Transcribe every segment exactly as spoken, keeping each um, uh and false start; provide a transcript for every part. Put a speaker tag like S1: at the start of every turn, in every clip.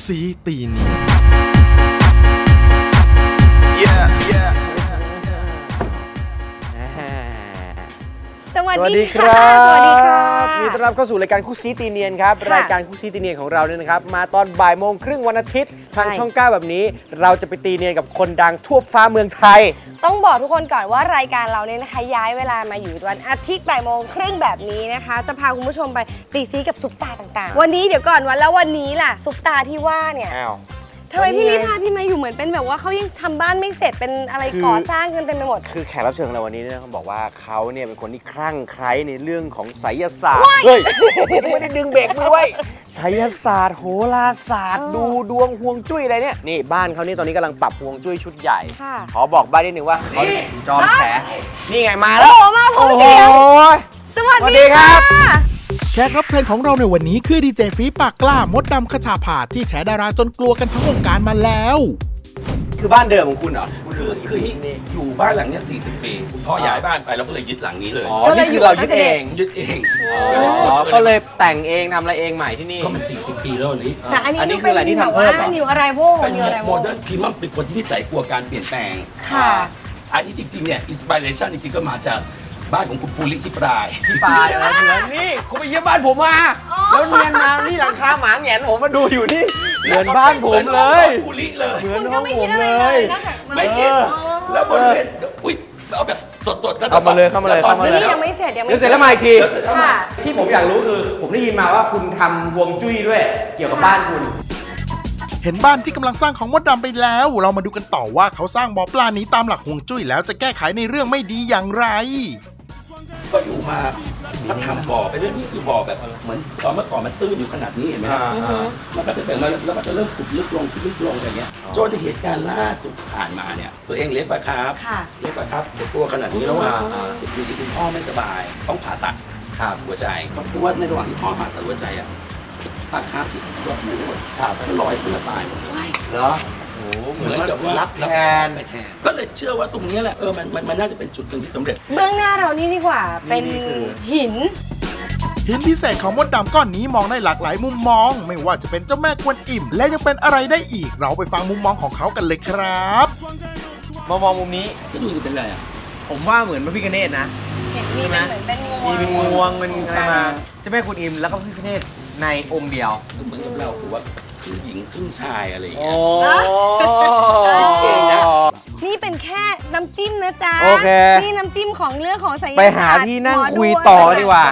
S1: ซีตีเนียน
S2: yeah yeah
S3: สวัส
S4: สวัส
S3: ดี
S4: ดีค
S3: ค่ะ
S4: รับ
S3: สวัสดีค่ะ
S4: ยินดีต้อนรับเข้าสู่รายการคู่ซีตีเนียนครับ
S3: ค่ะ
S4: รายการคู่ซีตีเนียนของเราเนี่ยนะครับมาตอนบ่ายโมงครึ่งวันอาทิตย์ทาง
S3: ใช่
S4: ช่องเก้าแบบนี้ เราจะไปตีเนียนกับคนดังทั่วฟ้าเมืองไทย
S3: ต้องบอกทุกคนก่อนว่ารายการเราเนี่ยนะคะย้ายเวลามาอยู่วันอาทิตย์บ่ายโมงครึ่งแบบนี้นะคะ จะพาคุณผู้ชมไปตีซีกับซุปตาต่างๆ วันนี้เดี๋ยวก่อนวันแล้ววันนี้ล่ะซุปตาที่ว่าเนี่ย
S4: อ้าว
S3: ทำไม
S4: วันนี้
S3: พี่ลิ
S4: ไง
S3: พาพี่มาอยู่เหมือนเป็นแบบว่าเขายังทำบ้านไม่เสร็จเป็นอะไร
S4: คือ
S3: ก่อสร้างกันเต็มไปหมด
S4: คือแขกรับเชิญของเราวันนี้เนี่ยเขาบอกว่าเขาเนี่ยเป็นคนที่คลั่งไคล้ในเรื่องของไสยศาสตร์เฮ้ยไม่ได้ดึงเบรกมือไว้ไสยศาสตร์โหราศาสตร์
S3: เออ
S4: ดูดวงฮวงจุ้ยอะไรเนี่ยนี่บ้านเขานี่ตอนนี้กำลังปรับฮวงจุ้ยชุดใหญ่
S3: ค่ะ
S4: ขอบอกบ้านนิดนึงว่าเขาจอมแฉนี่ไงมา
S3: โอ้
S4: แล้ว
S3: โหมาพร้อมเสียง
S4: โอ้ย
S3: สวัส
S4: สวัสดี
S3: ดี
S4: ครั
S3: ค่ะ
S4: บ
S1: แขกรับเชิญของเราในวันนี้คือดีเจฟีปากกล้ามดดำขชาผาที่แฉดาราจนกลัวกันทั้งวงการมาแล้ว
S4: คือบ้านเดิมของคุณเหรอ
S5: คือคือนี่อยู่บ้านหลังเนี้ยสี่สิบปีคุณพ่อย้ายบ้านไปเราก็เลยยึดหลังนี้เลย
S4: อ๋อ นี่คือเรายึดเอง
S5: ยึดเอง
S4: อ๋อ ก็เลยแต่งเองทำอะไรเองใหม่ที่นี่
S5: ก็มันสี่สิบปีแล้ววันนี้
S3: แต่อันนี้
S4: อันนี้
S3: ดู
S4: คืออะไรที่ทำเพิ่มเหรอ
S3: นิวอะไรโว
S5: เป็น
S3: นิวอะไร
S5: โม
S3: โว
S5: เดิร์นพิมพ์เป็นคนที่นิสัยกลัวการเปลี่ยนแปลง
S3: ค่ะ
S5: อันนี้จริงๆเนี่ยอินสปิเรชันจริงๆก็มาจากบ้านของคุณปูริที่ปลาย
S4: ปลายอะไรเหมือนนี่คุณไปเยี่ยมบ้านผมมา แล้วเนียนมานี่หลังคาหมาแหงนผมมาดูอยู่นี่ เหมือนบ้านผมเลย
S5: ปูริเลย
S4: เหมือน
S3: คุณ
S4: ห้
S3: ก็
S4: อง
S3: ไม่
S4: ผ
S3: คิด
S4: ม
S3: อะไร
S4: เล
S3: เลย ยนอกจาก
S5: ไม่คิด
S4: เออ
S5: แล้วบริเวณอุ้ยเอาแบบสดๆแล้ว
S4: เข้ามาเลยเข้ามาเลย
S5: แวตอน
S4: เข้ามา
S5: นี้
S4: เลย
S3: ยังไม่เสร็จยังไม่
S4: เดี๋ยวเสร็จแล้วมาอีกที
S3: ค่ะ
S4: ที่ผมอยากรู้คือ ผมได้ยินมาว่าคุณทำฮวงจุ้ยด้วย เกี่ยวกับบ้านคุณ
S1: เห็นบ้านที่กำลังสร้างของมดดำไปแล้ว เรามาดูกันต่อว่าเขาสร้างบ่อปลานี้ตามหลักฮวงจุ้ยแล้วจะแก้ไขในเรื่องไม่ดีอย่างไร
S5: ก็อยู่มาถ้าทำบ่อไปเรื่อยนี่คือบ่อแบบเหมือนตอนเมื่อก่อนมันตื้นอยู่ขนาดนี้เห็นไหมครับ
S4: อ่า
S5: มันก็จะเป็นมาแล้วมันจะเริ่มขุดลึกลงขุดลึกลงอย่างเงี้ยจนเหตุการณ์ล่าสุดผ่านมาเนี่ยตัวเองเลี้ยงปลาคาร์ฟ
S3: ค่ะ
S5: เลี้ยงปลาคาร์ฟตัวขนาดนี้แล้วว่าอยู่ดีคุณพ่อไม่สบาย ต้องผ่าตัด
S4: ครับ
S5: หัวใจเพราะว่าในระหว่างที่พ่อผ่าตัดหัวใจอ่ะปลาคาร์ฟที่ตัวหมูขาดไปลอยขึ้นมาตายหมดเลย
S4: เหรอโอ้โหเห
S5: เห
S4: มื
S5: มื
S4: อ
S5: อน น
S4: กั
S5: กั
S4: บบ
S5: ว่า
S4: รับแทน
S5: ไปแทน ก็เลยเชื่อว่าตรงนี้แหละเออมันมันมันน่าจะเป็นจุดหนึ่งที่สำเร็จ
S3: เบื้องหน้าเรานี่ดีกว่า เป็น
S4: นี่คือ
S3: หิน
S1: หินพิเศษของมดดำก้อนนี้มองได้หลากหลายมุมมอง ไม่ว่าจะเป็นเจ้าแม่กวนอิ่ม และยังเป็นอะไรได้อีก เราไปฟังมุมมองของเขากันเลยครับ
S4: มามองมุมนี้
S5: ก็ดูจะเป็นอะไรอ่ะ
S4: ผมว่าเหมือนพระพิฆเนศนะ
S3: เห็นมีเป็นเหมือนเป็นงวง
S4: มีเป็นงวงเป็นอะไรมาเจ้าแม่กุนอิมแล้วก็พระพิฆเนศในองค์เดียว
S5: เหมือนกับเราคือว่าครึ่งหญิงครึ่งชายอะไรอย่าง
S4: โอ้
S5: เงี้ย
S3: เก่งนะ นี่เป็นแค่น้ำจิ้มนะจ๊ะ
S4: โอเค
S3: นี่น้ำจิ้มของเรื่องของไสยศาสตร์
S4: ไปหาที่นั่ง
S3: หมดู
S4: คุยต่อดีกว่า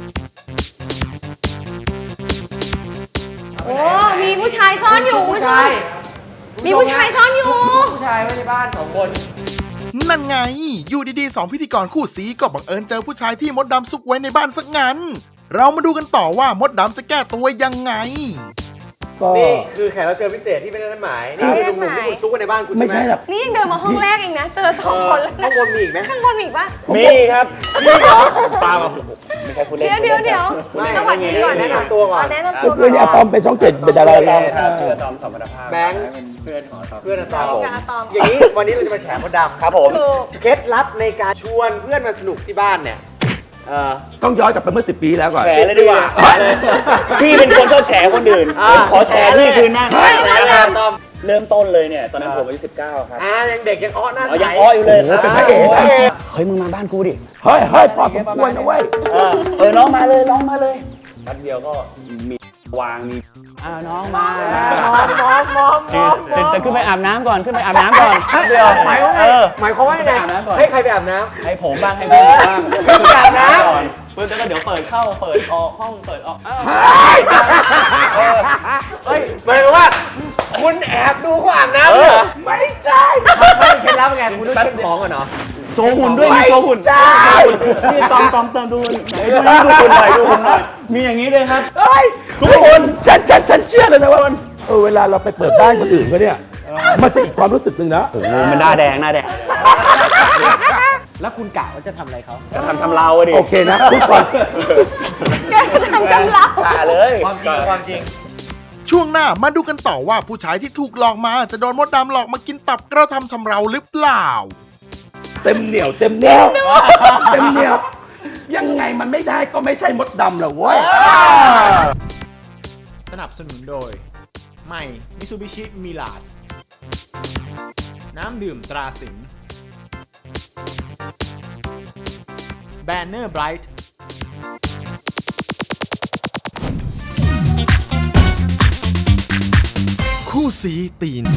S3: โอ้ มีผู้ชายซ่อนอยู่ผู้ชาย มีผู้ชายซ่อนอยู่
S4: ผู้ชายไว้ในบ้านสองคน
S1: นั่นไง อยู่ดีๆสองพิธีกรคู่สีก็บังเอิญเจอผู้ชายที่มดดำซุกไว้ในบ้านสักงั้น เรามาดูกันต่อว่ามดดำจะแก้ตัวยังไง
S4: นี่คือแขกรับเชิญพิเศษที่เป็นนัดหมาย นี่คือหนุ่มๆที่คุณซุกไว้ในบ้านคุณใช่
S5: ไม่
S4: ไหม
S5: ใช่หรอก
S3: นี่ยังเดินมาห้องแรกเองนะ เจอสองคนแล้ว
S4: ข้างบนมีอีกไหม
S3: ข้างบนมีอีกปะ
S4: มีครับมีเหรอปลามาไม่ใช่คุณเล่น
S3: เดี๋ยวเดี๋ยวเดี๋ยวสวัสดีก่อน
S4: แนะ
S3: นะ
S4: นำตัวก่อน
S3: แนะนำตัวก่
S5: คือเนี่ยอะตอมเป็นช่องเจ็ดเป็นดาราดัง
S4: เพื่อนตอมสัมพันธภาพแบงค์เพื่อนของเพื่อนอะตอม
S3: แบงค์กับอะตอม
S4: อย่างนี้วันนี้เราจะมาแฉมดดำครับผม
S3: ถูก
S4: เคล็ดลับในการชวนเพื่อนมาสนุกที่บ้านเนี่ยเออ
S5: ต้องย้อนกลับไปเมื่อสิบปีแล้วก่อน
S6: แฉเลยดีกว่า พี่เป็นคนชอบแฉคนอื่น
S4: อ่า
S6: ผมขอแฉพี่คืนหน้า
S4: เฮ้ยนะครับตอม
S6: เริ่มต้นเลยเนี่ย ตอนนั้นผมอายุสิบเก้าครับ
S4: อ่ายังเด็กยังอ้อหน้า
S6: อ๋อ
S4: ใส
S6: ยังอ้ออยู่เลยครับ
S5: เป็นพระเอก
S4: โย
S6: เฮ้ย มึงมาบ้านกูดิ
S5: เฮ้ยเฮ้ยพอสมควรนะเว้ย
S6: เออเออ น้องมาเลย น้องมาเลยแป๊บเดียวก็มีวางมีอ้าวน้องมา
S4: มองมองมอง
S6: จะจะขึ้นไปอาบน้ำก่อน ขึ้นไปอาบน้ำก่อนแป๊บเดียว
S4: หมายความว่าไง
S6: เออ
S4: หมายความว่าไง
S6: ไปอาบน้ำก่อน
S4: ให้ใครไปอาบน้ำ
S6: ให้ผมบ้าง ให้พี่บ้าง
S4: ขึ้นไปอาบน้ำ
S6: ก่อนปึ๊บแล้วก็เดี๋ยวเปิดเข้า เปิดออกห้อง เปิดออกอ้าว
S4: เฮ้ยหมายความว่าคุณแอบดูเขาอาบน้ำเหรอไม่ใช่ไม่เคล็ดลับไงคุณต้องเช็คของก่อนเนาะ
S6: โชว์หุ่นด้วยมีโชว์หุ่น
S4: ใช่
S6: นี่ตอมตอมเติมดูไหนดูดูหุ่นหน่อยดูหุ่นหน่อยมีอย่างนี้เลยครับทุกคนฉันฉันฉันเชื่อเลยนะว่าเออเวลาเราไปเปิดบ้านคนอื่นเขาเนี่ยมันจะอีกความรู้สึกหนึ่งนะโอ้โหมันหน้าแดงหน้าแดง
S4: แล้วคุณกะว่าจะทำอะไรเขา
S6: จะทำทำเราอะดิ
S5: โอเคนะทุกคน
S3: แกทำจำเรา
S6: ตาเลย
S4: ความจริงความจริง
S1: ช่วงหน้ามาดูกันต่อว่าผู้ชายที่ถูกหลอกมาจะโดนมดดำหลอกมากินตับกระทำชำเราหรือเปล่า
S5: เต็มเหนียวเต็มแนวเต็มเหนียวยังไงมันไม่ได้ก็ไม่ใช่มดดำหรอกเว้ย
S7: สนับสนุนโดย
S2: ใหม่มิซูบิชิมิลาดน้ำดื่มตราสิงห์แบนเนอร์ไบรท์คู่สีตีน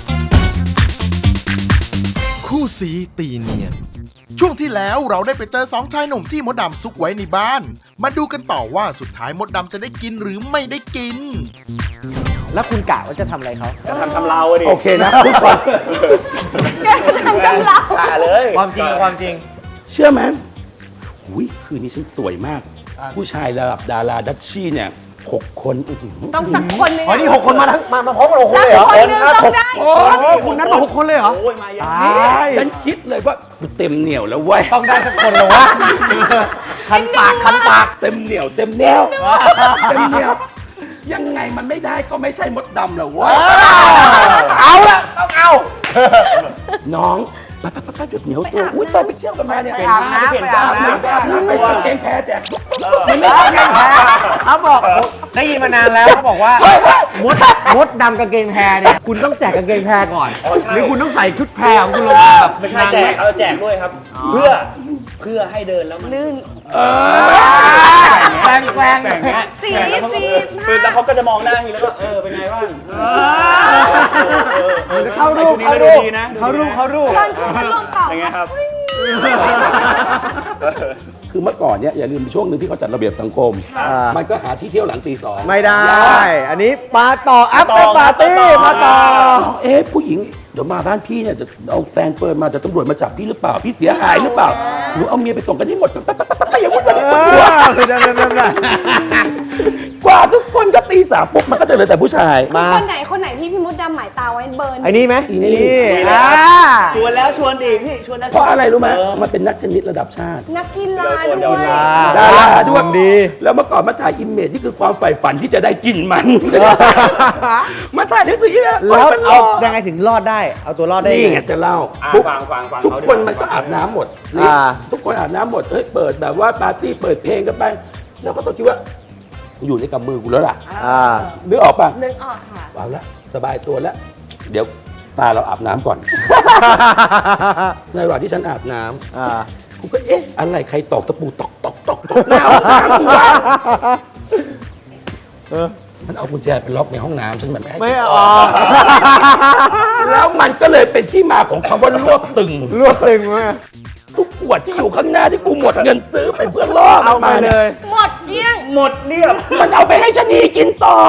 S2: คู่สีตีเนียน
S1: ช่วงที่แล้วเราได้ไปเจอสองชายหนุ่มที่มดดำซุกไว้ในบ้าน มาดูกันต่อว่าสุดท้ายมดดำจะได้กินหรือไม่ได้กิน
S7: แล้วคุณกะว่าจะทำอะไรเขา
S6: จะทำทำเราดิโอเคนะพูดก่อน
S3: แกทำกำลัง
S6: ด่าเลย
S7: ความจริงกับความจริง
S6: เชื่อไหมอุ้ยคืนนี้ฉันสวยมาก ผู้ชายระดับดาราดัชชี่เนี่ยหกคนอื้อหือ
S3: ต้องสักคนหนึง
S7: อ๋อ นี่หกคนมาทั้งมามาพร้อมกันหกคน
S3: สัก
S7: เลยเหรอ
S3: คนหนึงต้องได้
S7: โอ้โหคุณนัดมาหกคนเลยเหรอ
S6: โอ้ยมาเยอะ
S7: ตาย
S6: ฉันคิดเลยว่ากูเต็มเหนียวแล้วเว้ย
S7: ต้องได้สักคนเลยวะคันปากคันปาก
S6: เต็มเหนียวเต็มแนวเต็มเหนียวยังไงมันไม่ได้ก็ไม่ใช่มดดำหรอกเว้ย
S7: เอาละต้องเอา
S6: น้องไปไปไปไปหยุดเหนียวตัวอุ้ยตอนไปเที่ยวกันมาเนี่ย
S7: ไปอาบน้ำ
S6: เปลี่ยน
S7: ไปอาบน้ำ
S6: ไปอาบน้ำไปกางเกงแพ้แจก
S7: มันไม่ใช่กางเกงแพรเขาบอกได้ยินมานานแล้วเขาบอกว่ามดมดดำกางเกงแพรเนี่ยคุณต้องแจกกางเกงแพรก่อน หรือคุณต้องใส่ชุดแพรของคุณลงมาแบบ
S8: ไม่ใช่แจกเราแจกด้วยครับ เพื่อเพื่อให้เดินแล้วมัน
S3: ลื่น
S6: เออ
S7: แกล้งแกล้ง
S8: แบ่งเงี้ย
S3: สีสี
S8: คือแล้วเขาก็จะมองหน้าทีแล้วก็เออเป็นไงบ้าง
S7: เข้ารูปเข้ารูปเข้ารูปเข้ารูป
S3: ตอนช่วงพัดลมเป่า
S8: เป็นไงครับ
S6: คือเมื่อก่อนเนี่ยอย่าลืมช่วงหนึ่งที่เขาจัดระเบียบสังคม มันก็หาที่เที่ยวหลังตีสอง
S7: ไม่ได้ อันนี้ปาต่ออัพเป็นปาร์ตี้มาต่อ
S6: เอ๊ะผู้หญิงเดี๋ยวมาบ้านพี่เนี่ยจะเอาแฟนเฟิร์นมาจะตำรวจมาจับพี่หรือเปล่าพี่เสียหายหรือเปล่าหนูเอาเมียไปส่งกันให้หมดไปไปไปไปอย่าวุ่นวาย
S7: เออคือนั่นนั่นนั่น
S6: กว่าทุกคนก็ตีสามปุ๊บมันก็จะเหลือแต่ผู้ชาย
S7: มา
S3: คนไหนคนไหนที่พี่มดดำหมายตาไว้เบิร์น
S7: ไอ้นี่ไหม
S6: อีนี่
S7: อ่า
S8: ชวนแล้วชวนอีกพี่ชวนแล้ว
S6: เพราะอะไรรู้ไหมมันเป็นนักเทนนิสระดับชาติ
S3: นักกีฬาด้วย
S6: ดาราด้วย
S7: ดี
S6: แล้วเมื่อก่อนมาถ่ายอิมเมจที่คือความใฝ่ฝันที่จะได้กินมัน มาถ่ายหนังสือเนี่ย
S7: แล้ว
S6: มันร
S7: เอา
S6: อ
S7: ยังไงถึงรอดได้ เอาตัวรอดได้
S6: นี่
S7: ยัง
S6: ไง
S7: ไง
S6: จะเล่า
S8: อ่า
S6: ทุก
S8: ฟังฟังฟัง
S6: ทุก
S8: เขาดี
S6: คน
S8: ว่า
S6: มันก็อาบน้ำหมด
S7: อ่า
S6: ทุกคนอาบน้ำหมดเฮ้ยเปิดแบบว่าปาร์ตี้เปิดเพลงกันไป แล้วก็ต้องคิดว่าอยู่ในกำมือกูแล้วล่ะ
S7: อ่า
S6: นึกออกป่ะ
S3: นึกออกค่ะ
S6: เอาละสบายตัวแล้ว เดี๋ยวตาเราอาบน้ำก่อน ในระหว่างที่ฉันอาบน้ำ
S7: อ่า
S6: กูก็เอ๊ะอะไรใครตอกตะปูตอกตอกตอกตอกหน้าห้องน้ำกูวะ
S7: เออ
S6: มันเอากุญแจไปล็อกในห้องน้ำฉันแบบไม่ให้
S7: ไม่
S6: ฉัน
S7: ออก
S6: แล้วมันก็เลยเป็นที่มาของคำว่ารวบตึง
S7: รวบตึงมา
S6: ทุกขวดที่อยู่ข้างหน้าที่กูหมดเงินซื้อไปเพื่อล่อ
S7: เอา
S6: มัน
S7: ไป
S6: มา
S7: เล
S6: เนี่ย
S7: ย
S3: หมดเกลี้ยง
S8: หมดเรียบ
S6: มันเอาไปให้ชะนีกินต่อ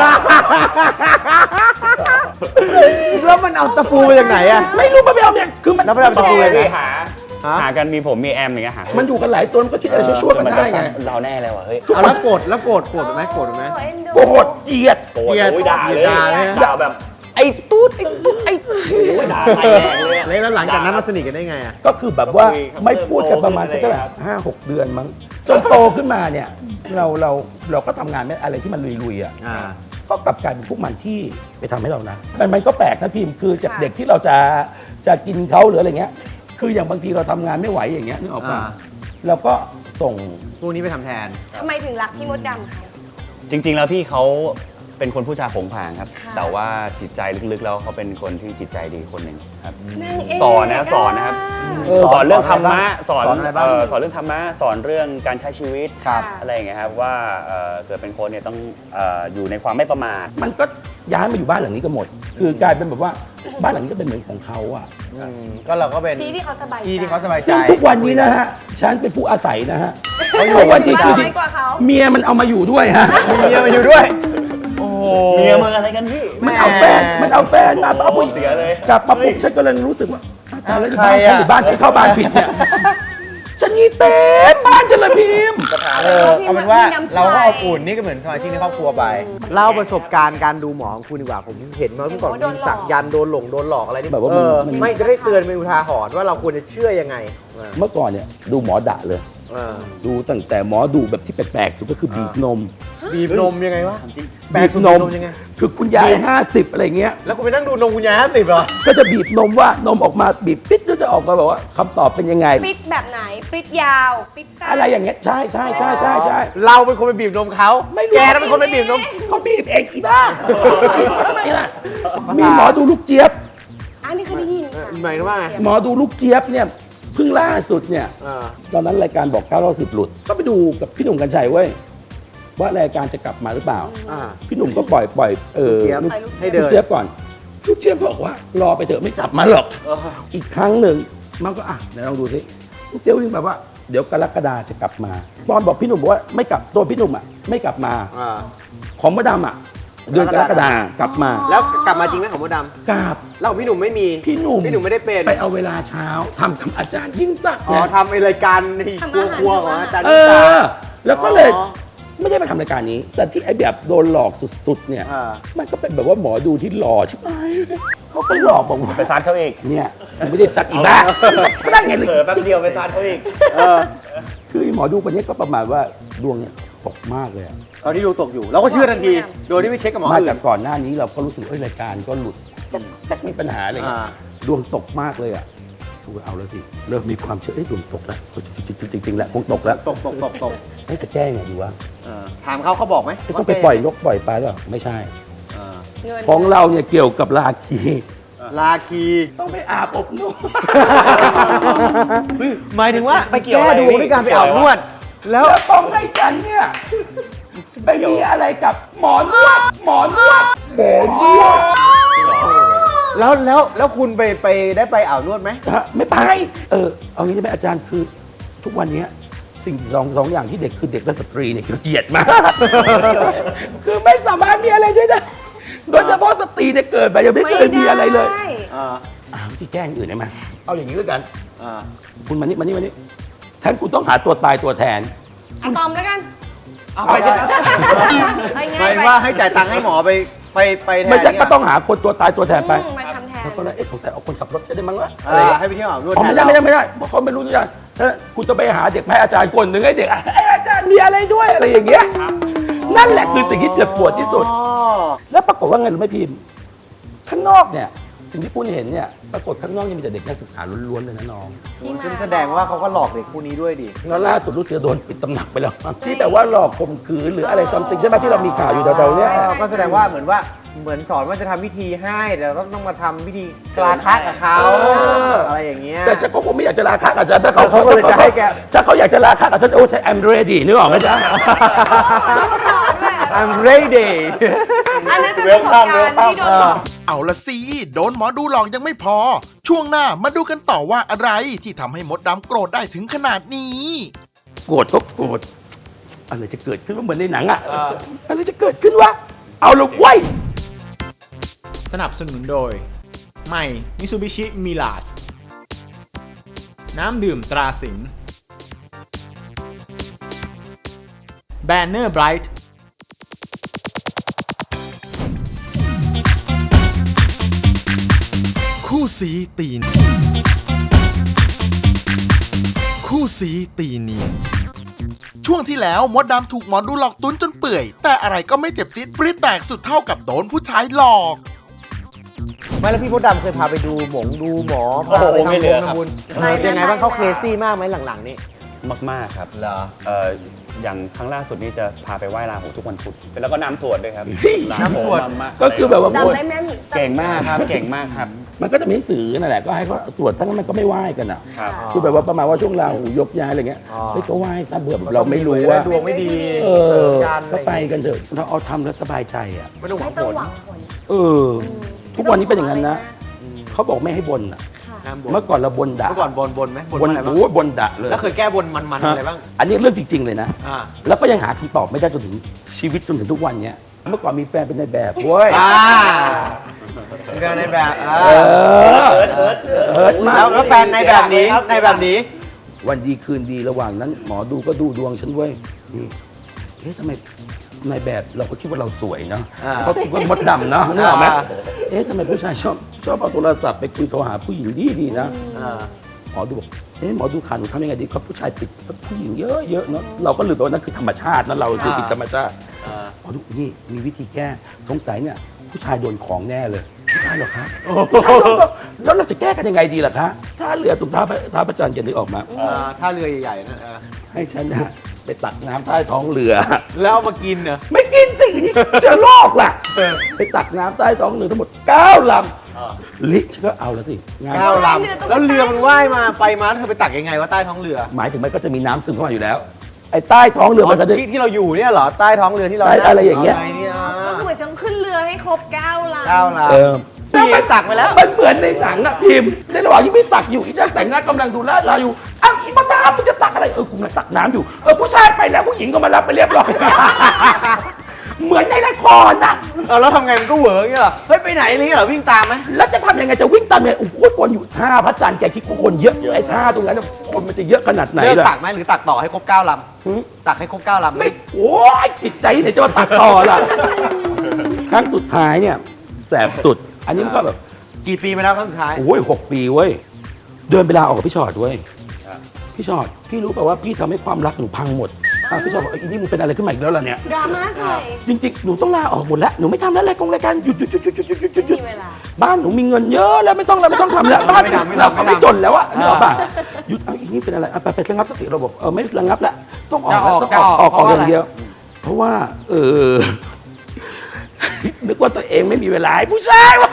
S7: แล้วมันเอาตะปูมาจากไหนอ่ะ
S6: ไม่รู้มันไปเอาเนี่ยคือมัน
S7: แล้วมันเอาตะปูยังไง
S8: หา
S7: ฮะ
S8: หากันมีผมมีแอมอย่างเงี้ยหา
S6: มันอยู่กันหลายตัวมันก็คิดอะไรชั่วๆกันได้ไง
S8: เราแน่เลยว่ะเฮ้ย
S7: เอาแล้วโกรธแล้วโกรธโกรธไหมโกรธไหม
S3: โอ้ยเอ็นดู
S6: โกรธเกลียด
S8: โอ้ยโอ้ยด่าเลย
S7: ด่าเลย
S8: ด่าแบบ
S6: ไอ้ตุ๊ดไอ้ตุ๊ดไอ้
S8: โอ้ยด่าใส่แรงเลยอะ
S7: แล้วหลังจากนั้นมาสนิทกันได้ไงอ่ะ
S6: ก็คือแบบว่า
S8: คุยครับ
S6: ไม่พูดกันประมาณ
S8: เริ่
S6: สัก
S8: มโตขึ้น
S6: เท่าไหร่ห้าหกเดือนมั้งจนโตขึ้นมาเนี่ย เราเราเราก็ทำงานไม่อะไรที่มันลุยๆอ่ะ
S7: อ่า
S6: ก็กลับกลายเป็นพวกมันที่ไปทำให้เรานะ มันมันก็แปลกนะพิมพ์คือจากเด็กที่เราจะจะกินเขาหรืออะไรเงี้ย คืออย่างบางทีเราทำงานไม่ไหวอย่างเงี้ยนึกออกป่ะ
S7: อ่า
S6: เราก็ส่ง
S7: พวกนี้ไปทำแทน
S3: ทำไมถึงรักพี่มดดำคะ
S8: จริง ๆ แล้วพี่เขาเป็นคนผู้จาโผงผางครับ
S3: ค่ะ
S8: แต่ว่าจิตใจลึกๆแล้วเขาเป็นคนที่จิตใจดีคนหนึ่งครับ
S3: นางเอก
S8: สอนนะสอนนะครับ
S6: เออ
S8: สอนเรื่องธรรมะสอน
S7: สอนอะไรบ้าง
S8: เอ่อสอนเรื่องธรรมะสอนเรื่องการใช้ชีวิต
S3: ครับ
S8: อะไรอย่างเงี้ยครับว่าเอ่อเกิดเป็นคนเนี่ยต้องเอ่ออยู่ในความไม่ประมาท
S6: มันก็ย้ายมาอยู่บ้านหลังนี้กันหมด คือกลายเป็นแบบว่าบ้านหลังนี้ก็เป็นเหมือนของเขาอ่ะ
S7: อืมก็เราก็เป็น
S3: ที่ที่เขาสบายใจ
S7: ที่ที่เขาสบายใจ
S6: ซึ่งทุกวันนี้นะฮะ ฉันเป็นผู้อาศัยนะฮะ
S7: เขาอยู่
S6: ทุกวันนี้คือ
S3: น้อยกว่าเขา
S6: เมียมันเอามาอยู่ด้วยฮะ
S7: มีเมียมาอยู่ด้วย โอ้โห
S8: เมียมึงอะไรกันพี่
S6: มันเอาแฟน มันเอาแฟนมาเอาผู้หญิง
S8: เสียเลย
S6: กลับมาปุ๊บฉันก็เลยรู้สึกว่าตายแล้วอยู่บ้าน
S7: ใคร
S6: ฉัน
S7: อะ
S6: อยู่บ้านฉันเข้าบ้านผิดเนี่ยฉันนี่เต็มบ้านฉันเลยพิมพ์
S7: เออเอาเป็นว่าเราก็อบอุ่นนี่ก็เหมือนสมาชิกในครอบครัวไป เล่าประสบการณ์การดูหมอของคุณดีกว่า ผมเห็นมาเมื่อก่อน
S3: โอ้โดนหลอก
S7: มีสักยันต์โดนหลงโดนหลอกอะไรนี่
S6: แบบว่า
S7: เออ
S6: มัน
S7: ไม่จะได้เตือนเป็นอุทาหรณ์ว่าเราควรจะเชื่อยังไงเออ
S6: เมื่อก่อนเนี่ยดูหมอดะเลย
S7: เออ
S6: ดูตั้งแต่หมอดูแบบที่แปลกๆสุดก็คือบีบนม
S3: ฮะ
S7: บีบนมยังไงวะ แปล
S6: บี
S7: ก
S6: บ
S7: สุด
S6: น
S7: บี
S6: ม
S7: บนมยังไง
S6: คือคุณยายห้าสิบอะไรเงี้ย
S7: แล้วคุณไปนั่งดูนมคุณยายห้าสิบเหรอ
S6: ก็จะบีบนมว่านมออกมาบีบปิดแล้วจะออกมาแบบว่าคำตอบเป็นยังไง
S3: ปิดแบบไหนปิดยาวปิดสั้น
S6: อะไรอย่างเงี้ยใช่ใช่ใช่ใช่ใช่
S7: เราเป็นคนไปบีบนมเขา
S6: ไม่รู้
S7: แกน่ะเป็นคนไปบีบนม
S6: เขาบีบเองอีบ้าทำไมล่ะมีหมอดูลูกเจี๊ยบ
S3: อันนี้เคยได้ยินค่ะ
S7: หมายถึงว่าไง
S6: หมอดูลูกเจี๊ยบเนี่ยเพิ่งล่าสุดเนี่ย
S7: เออ
S6: ตอนนั้นรายการบอกเก้าเราสิบหลุด ก็ไปดูกับพี่หนุ่มกัญชัยเว้ยว่ารายการจะกลับมาหรือเปล่า
S7: อ่า
S6: พี่หนุ่มก็ปล่อยปล่อยเออ
S7: เจี๊ยบ
S6: ลูก
S7: ให้เดิ
S6: ลูก
S7: น
S6: เจี๊ยบก่อนลูกเจี๊ยบบอกว่ารอไปเถอะไม่กลับมาหรอก อีกครั้งหนึ่งมันก็อ่ะเดี๋ยวลองดูสิลูกเจี๊ยบวิ่งแบบว่าเดี๋ยวกรกฎาจะกลับมาตอนบอกพี่หนุ่มบอกว่าไม่กลับตัวพี่หนุ่มอ่ะไม่กลับมา
S7: อ่า
S6: ของมดดำอ่ะเดือนกรกฎากลับมา
S7: แล้วกลับมาจริงไหมของมดด
S6: กลับ
S7: ำแล้วของพี่หนุ่มไม่มี
S6: พี่หนุ่ม
S7: พี่หนุ่มไม่ได้เป็น
S6: ไปเอาเวลาเช้าทำกับอาจารย์ยิ่งศักดิ์
S7: อ๋อ
S6: ไง
S7: ทำไอรายการในครัวครัวของอาจารย์
S6: เอ
S7: นิสา
S6: อ แล้วก็เลย
S7: อ๋อ
S6: ไม่ได้มาทำรายการนี้ แต่ที่ไอ้แบบโดนหลอกสุดๆเนี่ย
S7: อ่า
S6: มันก็เป็นแบบว่าหมอดูที่หล่อใช่ไหมเขาก็หลอกบอกว่า
S8: ไปซานเขาเอง
S6: เนี่ยมันไม่ได้สักอีกบ้าก็นั่งไงเลย
S8: เผลอแป๊บเดียวไปซานเขาเอง
S7: เออ
S6: คือไอ้หมอดูคนนี้ก็ประมาณว่าดวงเนี่ยตกมากเลยอะ
S7: ตอนที่ดูตกอยู่ เราก็เชื่อทันที โดยที่ไม่เช็คกับหมอ
S6: มา
S7: อื่
S6: จาก
S7: น
S6: ก่อนหน้านี้เราก็รู้สึกเอ้ยรายการก็หลุดแต่มีปัญหาอะไรเงี้ย
S7: อ่า
S6: ดวงตกมากเลยอ่ะดูเอาแล้วสิเริ่มมีความเชื่อเอ้ยดวงตกแล้วจริงๆจริงๆแล้วคงตกแล้ว
S7: ตกตกตกตก
S6: เอ้ยจะแก้ยังไงดีวะ
S7: เออถามเขาเขาบอกไหม
S6: จะต้องไปปล่อยนกปล่อยปลาหรือเปล่าไม่ใช่
S7: เออ
S3: เงิน
S6: ของเราเนี่ยเกี่ยวกับราคี
S7: ลาคี
S6: ต้องไปอาบอบนวด
S7: หมายถึงว่าไป
S8: เกี่ยว
S7: แก้
S8: อะไร
S7: ดู
S8: นี่
S7: ด้วยการไปอาบนวด แล้ว
S6: แล้วต้องให้ฉันเนี่ยไปมีอะไรกับหมอนวดหมอนวดหมอนวด
S7: แล้วแล้วแล้วคุณไปไปได้ไปอาบนวดไหม
S6: ฮะไม่ไปเออเอางี้ใช่ไหมอาจารย์คือทุกวันเนี้ยสิ่งสองสองอย่างที่เด็กคือเด็กและสตรีเนี่ยคือเกลียดมาก คือไม่สามารถมีอะไรด้วยนะโดยเฉพาะสตรีเนี่ยเกิดไปยังไม่เคยมีอะไรเลย
S3: ด้
S7: อ่า
S6: อ้าวที่แจ้งอื่นได้ไหมเอาอย่างนี้แล้วกัน
S7: อ่า
S6: คุณมานี่มานี่มานี่แทนคุณต้องหาตัวตายตัวแทน
S3: อะตอมแล้วกัน
S7: เอาไปจะ
S3: ไป
S7: ห
S3: ง่าม
S7: าย ย
S3: ไป
S7: ว่าให้จ่ายตังค์ให้หมอไปไปไปแทน
S6: ไม่ใช่
S7: เนี่ย
S6: ก็ต้องหาคนตัวตายตัวแทนไป
S3: อืมมาทำแทน
S6: แล้วก็เลยเอ๊ะสงสัยเอาคนขับรถจะได้มั้งวะ
S7: เอ
S6: อะไร
S7: อ
S6: อย่าง
S7: ให้
S6: เงี้ย
S7: ไปเที่ยวอาบนวด
S6: อ๋อ
S7: แท
S6: ไม่
S7: น
S6: ได้
S7: เรา
S6: ไม่ได้ไม่ได้เพราะเขาไม่รู้ทุกอย่างถ้าคุณจะไปหาเด็กให้อาจารย์คนหนึ่งให้เด็กอ่ะไอ้อาจารย์มีอะไรด้วยอะไรอย่างเงี้ยนั่นแหละคือสิ่งที่เจ็บปวดที่สุด
S7: อ๋อ
S6: แล้วปรากฏว่าไงรู้ไหมพิมพ์ข้างนอกเนี่ยสิ่งที่คุณเห็นเนี่ยปรากฏข้างนอกยังมีแต่เด็กนักศึกษาล้วนๆเลยนะน้อง
S7: ซึ่งแสดงว่าเขาก็หลอกเด็กคู่นี้ด้วยดิ
S6: แล้วล่าสุดรู้สึกจะโดนปิดตำหนักไปแล้วมั้งที่แบบว่าหลอกข่มขืนหรืออะไรซัมติงใช่ไหมที่เรามีข่าวอยู่แถวๆเนี้ย
S7: เออก็แสดงว่าเหมือนว่าเหมือนสอนว่าจะทำพิธีให้แต่เราต้องมาทำพิธีกลาคะกับเขา
S6: เออ
S7: อะไรอย่างเงี้ย
S6: แต่ฉันก็คงไม่อยากจะลาคักอาจารย์ถ้าเขา
S7: เขาก็เลยจะให้แก
S6: ถ้าเขาอยากจะลาคักอาจารย์โอ้ใช่ I'm ready นึกออกไหมจ๊ะ
S7: I'm ready
S3: อันนั้นเป็นประสบการณ์ที่โดนหลอก
S1: เอาละสิโดนหมอดูหลอกยังไม่พอ ช่วงหน้ามาดูกันต่อว่าอะไรที่ทำให้มดดำโกรธได้ถึงขนาดนี้
S6: โกรธก็โกรธอะไรจะเกิดขึ้นวะเหมือนในหนังอะอะไรจะเกิดขึ้นวะเอาละไว้ย
S2: สนับสนุนโดย ใหม่มิซูบิชิมิลาดน้ำดื่มตราสิงห์แบนเนอร์ไบรท์
S9: คู่สีตีเนียนคู่สีตีเนียน
S1: ช่วงที่แล้วมดดำถูกหมอดูหลอกตุ้นจนเปื่อย แต่อะไรก็ไม่เจ็บจี๊ดปริ๊ดแตกสุดเท่ากับโดนผู้ชายหลอก
S7: ไม่แล้วพี่มดดำเคยพาไปดูหมงดูหมอ
S8: โอ้
S7: พา
S8: โห
S7: ไปทำ
S8: ไม่เหลือครับ
S7: ทำบุญเออเป็นยังไงบ้างเขาเคซี่มากไหมหลังๆนี่
S8: มากๆครับ
S7: เหรอ
S8: เอ่ออย่างครั้งล่าสุดนี่จะพาไปไหว้ราหูทุกวันพุธแล้วก็น้ำสวดด้วยครับ
S7: น้ำสวด
S8: มาก
S6: ก็คือแบบว่า
S3: จำได้แม่น
S8: เก่งมากครับ เก่งมากครับ
S6: มันก็จะมีหนังสือนั่นแหละก็ให้เขาตรวจทั้งนั้นมันก็ไม่ไหว้กันอ่ะ
S8: ครับ
S6: คือแบบว่าประมาณว่าช่วงราหูยกย้ายอะไรเงี้ย
S7: อ๋อ
S6: เฮ้ยก็ไหว้ซะเบื่อแบบเราไม่รู้ว่า
S7: ดวงไม่ดี
S6: เอ
S7: เสริ
S6: อ
S7: มกันอะ
S6: ก็
S7: ร
S6: ไปกันเถอะเราเอาทำแล้วสบายใจอ่ะ
S7: ไม่ต้องหวั
S3: ไม่
S7: ง
S3: ต้
S7: ผ
S3: อง
S7: ล
S3: หวังผล
S6: เออ ทุกวันนี้เป็นอย่างนั้นนะเขาบอกไม่ให้บนอ่ะ
S7: ห้ามบ่น
S6: เมื่อก่อนเราบนด่า
S7: เมื่อก่อนบนบนไหมบน
S6: บน
S7: อะไรบ้าง
S6: โอ้ยบนด่าเลย
S7: แล้วเคยแก้บนมันๆอะไรบ้าง
S6: อันนี้เรื่องจริง ๆ เลยนะ
S7: อ่า
S6: แล้วก็ยังหาคำตอบไม่ได้จนถึงชีวิตจนถึงทุกวันเนี้ยเมื่อก่อนมีแฟนเป็นนายแบบเว้ย
S7: อ่าเรื่องในแบบอ่า
S6: เออเอิร์ธเอิร์ธมาก
S7: แล้วแล้วแฟนในแบบนี้ในแบบนี้
S6: วันดีคืนดีระหว่างนั้น หมอดูก็ดูดวงฉันเว้ยนี่เอ๊ะทำไมนายแบบเราก็คิดว่าเราสวยเนาะ
S7: อ่า
S6: เขาคิดว่ามดดำเนาะนึกออกไหม
S7: อ่า
S6: เอ๊ะทำไมผู้ชายชอบชอบเอาโทรศัพท์ไปคุยโทรหาผู้หญิงดีดีๆนะ
S7: อ่า
S6: หมอดูบอกเอ๊ะหมอดูขาหนูทำยังไงดีครับผู้ชายติดผู้หญิงเยอะเยอะๆเนาะเราก็ลืมไปว่านั่นคือธรรมชาตินะเราคือติดธรรมชาติพอทุกนี่มีวิธีแก้สงสัยเนี่ยผู้ชายโดนของแน่เลยไม่ได้หรอกคะแล้วเราจะแก้กันยังไงดีล่ะคะถ้าเรือตรงท่าท่าพระจันทร์กันนึกออกมา
S7: ท่าเรือใหญ่ๆนั่นเออ
S6: ให้ฉันนะไปตักน้ำใต้ท้องเรือ
S7: แล้วเอามากินเหรอ
S6: ไม่กินสิเจะโรคล่ะไปตักน้ำใต้ท้องเรือทั้งหมดเก้าลำลิฉันก็เอาแล้วสิงาน
S7: เก้าลำแล้วเรือมันว่ายมาไปมาเธอไปตักยังไงว่าใต้ท้องเรือ
S6: หมายถึงมันก็จะมีน้ำซึมเข้ามาอยู่แล้วไอ้ใต้ท้องเรือมันก็จะ
S7: ที่ที่เราอยู่เนี่ยเหรอใต้ท้องเรือที่เรา
S6: ใต้อะไรอย่างเงี้ย
S7: นี่
S3: ก็คือเหมือนต้องขึ้นเรือให้ครบเก้าลำ
S7: เก้าลำ
S6: เออ
S7: แล้วไปตักไปแล้ว
S6: มันเหมือนในหนังอะพิมพ์ในระหว่างที่พี่ตักอยู่อีช่างแต่งหน้ากำลังดูแลเราอยู่อ้าวอีมาตามมึงจะตักอะไรเออกูกำลังตักน้ำอยู่เออผู้ชายไปแล้วผู้หญิงก็มารับไปเรียบร้อย เหมือนในละครนะ
S7: เออแล้วทำไงมันก็เหวออย่างเงี้ยเหรอเฮ้ยไปไหนนี่เหรอวิ่งตามไหม
S6: แล้วจะทำยังไงจะวิ่งตามเนี่ยโอ้โหคนอยู่ท่าพระจันทร์แกคิดว่าคนเยอะไอ้ท่าตรงนั้นน่ะคนมันจะเยอะขนาดไหน
S7: เลิก
S6: ล่ะ
S7: ตักไหมหรือตักต่อให้ครบเก้าล
S6: หืม
S7: ำตักให้ครบเก้าลำ
S6: ไม่โอ้ยจิตใจไหนจะมาตักต่อล่ะ ครั้งสุดท้ายเนี่ยแสบสุด อันนี้มันก็แบบ
S7: กี่ปีมาแล้วครั้งสุดท้าย
S6: โอ้ยหกปีเว้ยเดินไปลาออกกับพี่ชอดเว้ยพี่ชอดพี่รู้ป่ะว่าพี่ทำให้ความรักหนูพังหมดอ่ะพี่ชอดบอกไอ้นี่มึงเป็นอะไรขึ้นมาอีกแล้วล่ะเนี่ย
S3: ดราม่าใส่
S6: จริงๆหนูต้องลาออกหมดแล้วหนูไม่ทำแล้วรายกงรายการหยุดหยุดหยุดหยุดหยุดหยุดหยุดหยุด
S3: ไม่มีเวลา
S6: บ้านหนูมีเงินเยอะแล้วไม่ต้องแล้วไม่ต้องทำแล้วบ้านเราก็ไม่จนแล้วอะนึกออกป่ะหยุดเอาอีนี่เป็นอะไรอ่ะไปไประงับสติเราบอกเออไม่ระงับแล้วต้องออกแล้วต้องออกออกออกอย่างเดียว เพราะว่า เออ นึกว่าตัวเองไม่มีเวลาให้ผู้ชายวะ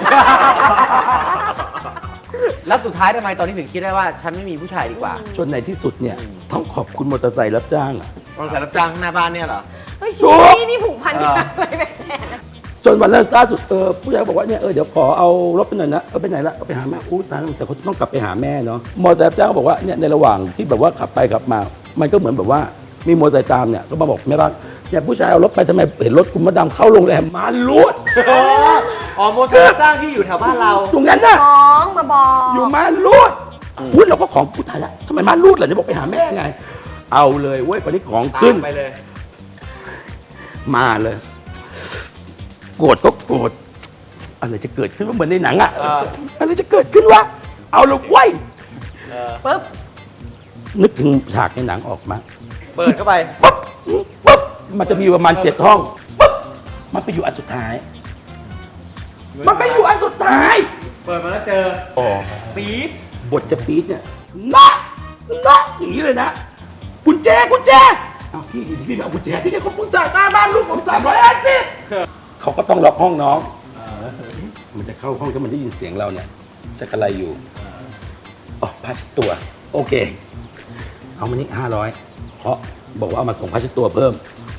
S7: แล้วสุดท้ายทำไมตอนนี้ถึงคิดได้ว่าฉันไม่มีผู้ชายดีกว่า
S6: จนในที่สุดเนี่ยต้องขอบคุณมอเตอร์ไซค์รับจ้างอะ
S7: บริษัทรับจ้างหน้าบ้านเนี่ยเหรอ
S3: เฮ้ยชี
S6: ถูก
S3: วิตนี่ผูกพันกันอะไรแบบนี้
S6: จนวันล่าสุดเออผู้ชายบอกว่าเนี่ยเออเดี๋ยวขอเอารถไปหน่อยนะเออไปไหนละเอาไปหาแม่อู้ตายแล้วแต่เขาจะต้องกลับไปหาแม่เนาะมอเตอร์ไซค์รับจ้างบอกว่าเนี่ยในระหว่างที่แบบว่าขับไปขับมา มันก็เหมือนแบบว่ามีมอเตอร์ไซค์ตามเนี่ยก็มาบอกแม่บ้านเนี่ยผู้ชายเอารถไปทำไมเห็นรถคุณมดดำเข้าโรงแรมมาลูด
S7: อ๋อโมเตอร์รับจ้างที่อยู่แถวบ้านเรา
S6: ตรงนั้นน่ะ
S3: ฟ้องมาบอก
S6: อยู่มาลูดอุ้ยเราก็ของผู้ชายละทำไมมาลูดล่ะจะบอกไปหาแม่ไง เอาเลยเว้ยวันนี้ของขึ้น
S7: ไปเลย
S6: มาเลย โกรธก็โกรธอะไรจะเกิดขึ้นว่าเหมือนในหนังอะ
S7: เออ
S6: อะไรจะเกิดขึ้นวะเอาเลยเว้ย
S3: ปุ๊บ
S6: นึกถึงฉากในหนังออกมา
S7: เปิดเข้าไป
S6: ปุ๊บปุ๊บมันจะมีประมาณเจ็ดห้องปุ๊บมันไปอยู่อันสุดท้าย มันไปอยู่อันสุดท้าย
S7: เปิดมาแล้วเจอปี๊บบ
S6: ทจะปี๊ดเนี่ยน็อกน็อกอย่างนี้เลยนะกุญแจกุญแจเอาพี่พี่ไม่เอากุญแจพี่จะขอกุญแจค่าบ้านลูกผมสามร้อยห้าสิบเขาก็ต้องล็อกห้องน้องมันจะเข้าห้องถ้ามันได้ยินเสียงเราเนี่ยจะกระไรอยู่อ๋อผ้าเช็ดตัว โอเค เอามานี่ห้าร้อยเพราะบอกว่าเอามาส่งผ้าเช็ดตัวเพิ่ม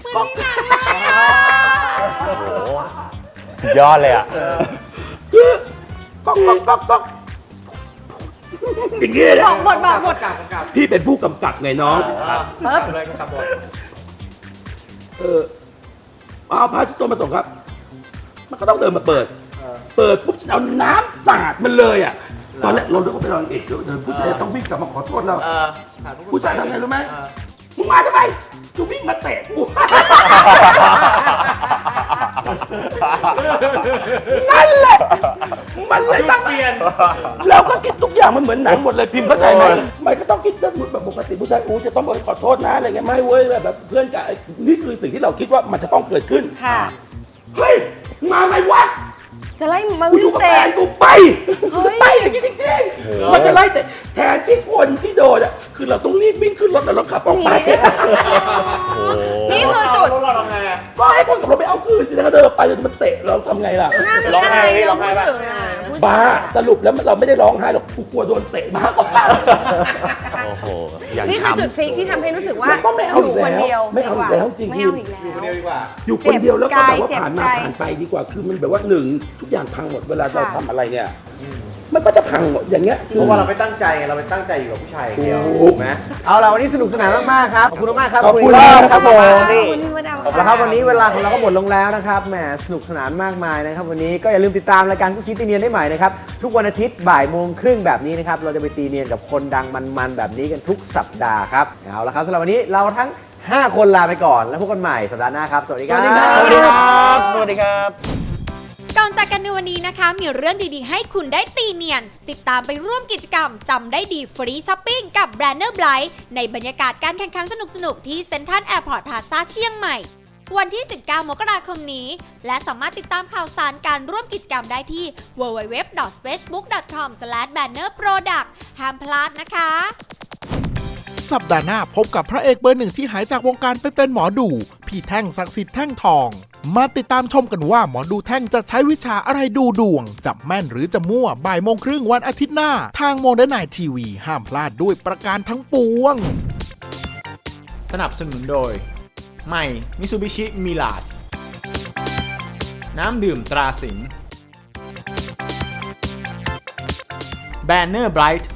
S8: สุดยอดเลยอ่ะ
S6: คือก๊อกก๊อกก๊อกก๊อกอย่างนี้เลย
S3: ส
S6: นะ
S3: องบทบาทบท
S6: พี่เป็นผู้กำกับไงน้อง
S3: ปุ๊บ
S7: เลยก็ขับบท
S6: เออเอาผ้าเช็ดตัวมาส่งครับ มันก็ต้องเดินมาเปิด เปิดปุ๊บฉันเอาน้ำสาดมันเลยอ่ะ ตอนแรกเราเดินไปลองเอกเดินผู้ชายต้องวิ่งกลับมาขอโทษเรา
S7: เออ
S6: ผู้ชายทำไงรู้ไหม มึงมาทำไมกูวิ่งมาเตะกู นั่นแหละ มันเลยต้องเปลี่ยนเราก็คิดทุกอย่างมันเหมือนหนังหมดเลยพิมพ์เข้าใจไหมมันก็ต้องคิดเรื่องแบบปกติผู้ชายอู้จะต้องบอกขอโทษนะอะไรเงี้ยไม่เว้ยแบบเพื่อนกันนี่คือสิ่งที่เราคิดว่ามันจะต้องเกิดขึ้น
S3: ค่ะ
S6: เฮ้ยมาไงวะ
S3: จะไล่มา
S6: กูอ
S3: วิ่
S6: ยู่
S3: ง
S6: กับ
S3: เตะ
S6: แฟนกูไป
S3: เฮ้ย
S6: ไปอย่างนี้จริงๆมันจะไล่แต่แทนที่คนที่โดนอ่ะคือเราต้องรีบวิ่งขึ้นรถแล้วเราขับออกไป
S3: นี่คือจุด
S7: เราทำไงอ่ะ
S6: ก็ให้คนขับรถไปเอาคืนแล้วก็เดินไปจนมันเตะเราทำไงล่ะ
S8: ร้องไห้ไหมร้องไห้ปะ
S6: บ้าสรุปแล้วเราไม่ได้ร้องไห้หรอกกูกลัวโดนเตะมากกว่า
S8: โอ้โห อย่าง
S3: นี่คือ
S8: ช้ำ
S3: จุดพลิกที่ทำให้รู้สึกว่า
S6: มันก็ไม่เอาอีก
S3: ยู่คน
S6: แล้ว
S3: เดียว
S6: ไม่เอาอีกแล้วจริง
S3: ไม่เอาอีกแล้ว
S7: คนเดียวดีกว่า
S6: อยู่คนเดียวแล้วก็แบบว่า
S3: เจ็บ
S6: ผ่านมา
S3: ใจ
S6: ผ่านไปดีกว่าคือมันแบบว่าหนึ่งทุกอย่างพังหมดเวลาเรา
S3: ค่ะ
S6: ทำอะไรเนี่ยมันก็จะพังหมดอย่างเงี้ย
S7: เพราะว่าเราไม่ตั้งใจไงเราไปตั้งใจอยู่กับผู้ชายอย่างเดียว
S6: ถูก
S7: ถูกไหมเอาล่ะวันนี้สนุกสนานมากๆครับ ขอบคุณมากๆครับ
S6: ขอบคุณ
S7: ณ
S6: มาก
S7: ครับผมนี่
S3: ขอบคุณพี่มดดำ
S7: แล้วครับวันนี้เวลาของเราก็หมดลงแล้วนะครับแหมสนุกสนานมากมายนะครับวันนี้ก็อย่าลืมติดตามรายการคู่ชี้ตีเนียนได้ใหม่นะครับทุกวันอาทิตย์บ่ายโมงครึ่งแบบนี้นะครับเราจะไปตีเนียนกับคนดังมันๆแบบนี้กันทุกสัปดาห์ครับเอาละครับสำหรับวันนี้เราทั้งห้าคนลาไปก่อนแล้วพบกันใหม่สัปดาห์หน้าครับสวัสดีครับ
S8: สวัสดีครับ สวัสดีครับ
S10: ก่อนจากกันในวันนี้นะคะ มีเรื่องดีๆ ให้คุณได้ตีเนียน ติดตามไปร่วมกิจกรรมจำได้ดีฟรีช้อปปิ้งกับแบรนเนอร์ไบรท์ในบรรยากาศการแข่งขันสนุกๆ ที่เซ็นทรัลแอร์พอร์ตพลาซ่าเชียงใหม่วันที่ สิบเก้า มกราคมนี้ และสามารถติดตามข่าวสารการร่วมกิจกรรมได้ที่ ดับเบิลยู ดับเบิลยู ดับเบิลยู ดอท เฟซบุ๊ก ดอท คอม สแลช แบนเนอร์ โปรดักต์ ห้ามพลาดนะคะ
S1: สัปดาห์หน้าพบกับพระเอกเบอร์หนึ่งที่หายจากวงการไปเป็นหมอดูพี่แท่งศักดิ์สิทธิ์แท่งทอง มาติดตามชมกันว่าหมอดูแท่งจะใช้วิชาอะไรดูดวง จับแม่นหรือจะมั่วบ่ายโมงครึ่งวันอาทิตย์หน้า ทางโมเดิร์นไนท์ทีวีห้ามพลาดด้วยประการทั้งปวง
S2: สนับสนุนโดย ใหม่มิซูบิชิมิลาดน้ำดื่มตราสิงห์แบนเนอร์ไบรท์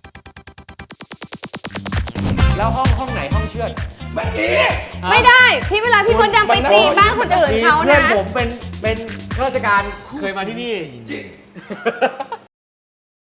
S4: แล้วห้องห้องไหนห้องเชือด
S5: ไม่มี
S3: ไม่ได้พี่เวลาพี่มดดำไปตีบ้านคนอื่นเขา
S7: เพื่อ
S3: นะ
S7: นผมเป็นเป็นข้าราชการเคยมาที่นี่
S5: จริง